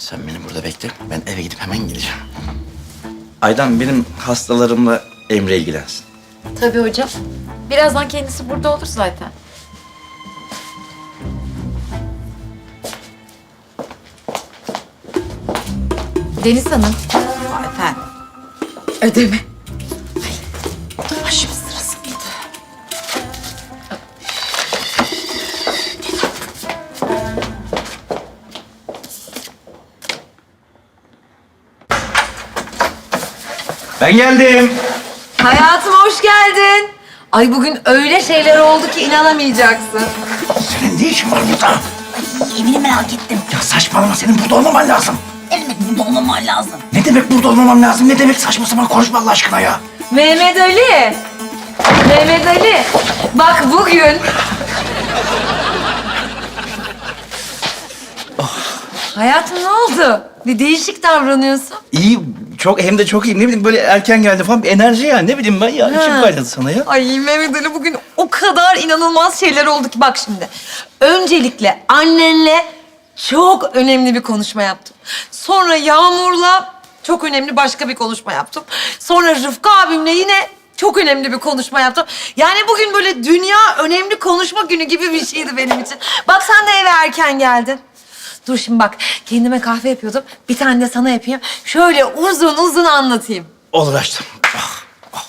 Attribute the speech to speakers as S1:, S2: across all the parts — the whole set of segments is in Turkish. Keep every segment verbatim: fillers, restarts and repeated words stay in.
S1: Sen beni burada bekle. Ben eve gidip hemen geleceğim. Aydan benim hastalarımla Emre ilgilensin.
S2: Tabii hocam. Birazdan kendisi burada olur zaten. Deniz Hanım.
S3: Efendim.
S2: Ödeme.
S3: Başım sırası mıydı?
S1: Ben geldim.
S3: Hayatım hoş geldin. Ay bugün öyle şeyler oldu ki inanamayacaksın.
S1: Senin ne işin var burada?
S4: Evini merak ettim.
S1: Ya saçmalama, senin burada olmaman lazım.
S4: Ne demek burada olmaman lazım?
S1: Ne demek burada olmamam lazım? Ne demek saçma sapan konuşma Allah aşkına ya?
S3: Mehmet Ali. Mehmet Ali. Bak bugün... Hayatım ne oldu? Bir değişik davranıyorsun.
S1: İyi, çok hem de çok iyi. Ne bileyim böyle erken geldi falan bir enerji ya. Ne bileyim ben ya. İçim
S3: Ha.
S1: kaynadı sana ya.
S3: Ay Mehmet Ali bugün o kadar inanılmaz şeyler oldu ki bak şimdi. Öncelikle annenle çok önemli bir konuşma yaptım. Sonra Yağmur'la çok önemli başka bir konuşma yaptım. Sonra Rıfkı abimle yine çok önemli bir konuşma yaptım. Yani bugün böyle dünya önemli konuşma günü gibi bir şeydi benim için. Bak sen de eve erken geldin. Dur şimdi bak kendime kahve yapıyordum. Bir tane de sana yapayım. Şöyle uzun uzun anlatayım.
S1: Olur açtım. Ah, ah.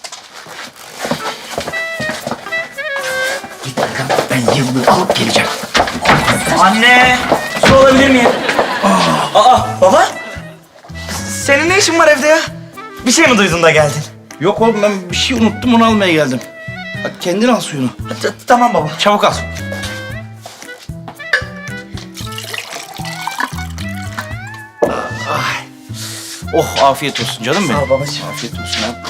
S1: Git Aydan, ben yıllığı alıp geleceğim.
S5: Anne, su alabilir miyim? Aa, baba? Senin ne işin var evde ya? Bir şey mi duydun da geldin?
S1: Yok oğlum, ben bir şey unuttum, onu almaya geldim. Hadi kendin al suyunu.
S5: T- tamam baba.
S1: Çabuk al. Ay. Oh, afiyet olsun canım benim.
S5: Sağ ol babacığım.
S1: Afiyet olsun ya.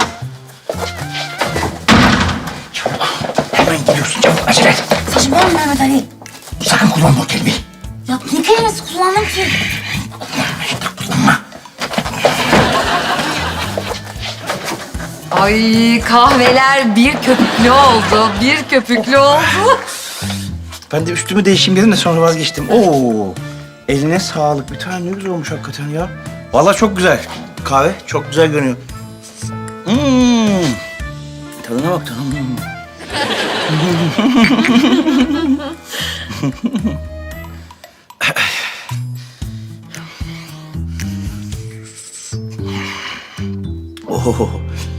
S1: Çabuk. Hemen gidiyorsun, çabuk. Acele et.
S4: Saçmalama Mehmet Ali.
S1: Sakın kullanma o kelimeyi.
S4: Ya ne kelimesi kullandım ki?
S1: Kullanma.
S3: Ay kahveler bir köpüklü oldu, bir köpüklü oldu.
S1: Ben de üstümü değişeyim dedim de sonra vazgeçtim. Oo, eline sağlık. Bir tane ne güzel olmuş hakikaten ya. Vallahi çok güzel. Kahve çok güzel görünüyor. Hmm. Tadına bak tadına. Oh.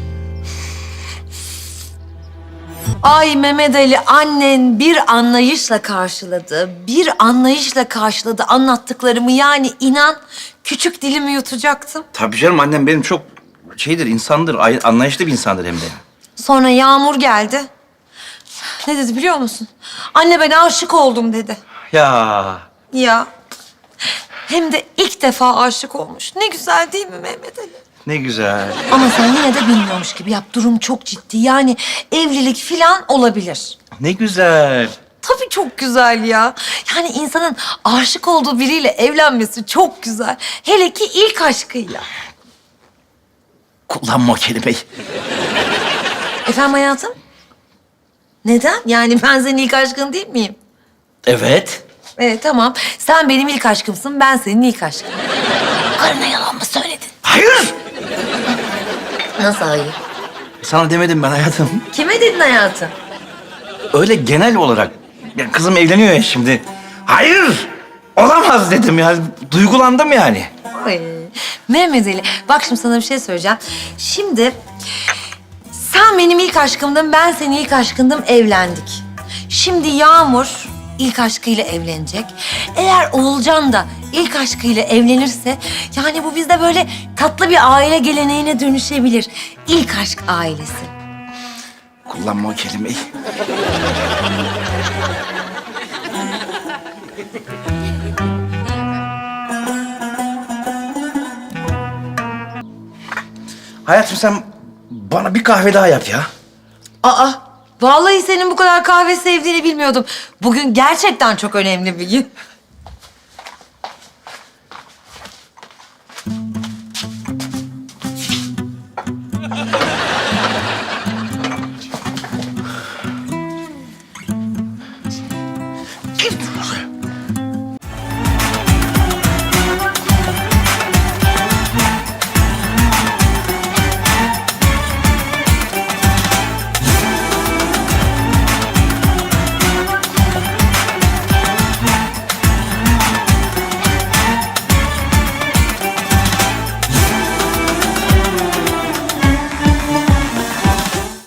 S3: Ay Mehmet Ali annen bir anlayışla karşıladı, bir anlayışla karşıladı anlattıklarımı. Yani inan küçük dilimi yutacaktım.
S1: Tabii canım, annem benim çok şeydir, insandır, ay- anlayışlı bir insandır hem de.
S3: Sonra Yağmur geldi. Ne dedi biliyor musun? Anne ben aşık oldum dedi.
S1: Ya
S3: Ya hem de ilk defa aşık olmuş. Ne güzel değil mi Mehmet Ali?
S1: ne güzel.
S3: Ama sen yine de bilmiyormuş gibi yap. Durum çok ciddi. Yani evlilik filan olabilir.
S1: Ne güzel.
S3: Tabii çok güzel ya. Yani insanın aşık olduğu biriyle evlenmesi çok güzel. Hele ki ilk aşkıyla.
S1: Kullanma o kelimeyi.
S3: Efendim hayatım? Neden? Yani ben senin ilk aşkın değil miyim?
S1: Evet.
S3: Evet tamam. Sen benim ilk aşkımsın, ben senin ilk aşkın.
S4: Karına yalan mı söyledin?
S1: Hayır.
S3: Nasıl hayır?
S1: Sana demedim ben hayatım.
S3: Kime dedin hayatım?
S1: Öyle genel olarak. Ya kızım evleniyor ya şimdi. Hayır. Olamaz dedim ya. Duygulandım yani.
S3: Ay, Mehmet Ali, bak şimdi sana bir şey söyleyeceğim. Şimdi sen benim ilk aşkımdın, ben senin ilk aşkındım, evlendik. Şimdi Yağmur ilk aşkıyla evlenecek. Eğer Oğulcan da ilk aşkıyla evlenirse... yani bu bizde böyle tatlı bir aile geleneğine dönüşebilir. İlk aşk ailesi.
S1: Kullanma o kelimeyi. Hayatım sen bana bir kahve daha yap ya.
S3: Aa, vallahi senin bu kadar kahve sevdiğini bilmiyordum. Bugün gerçekten çok önemli bir gün.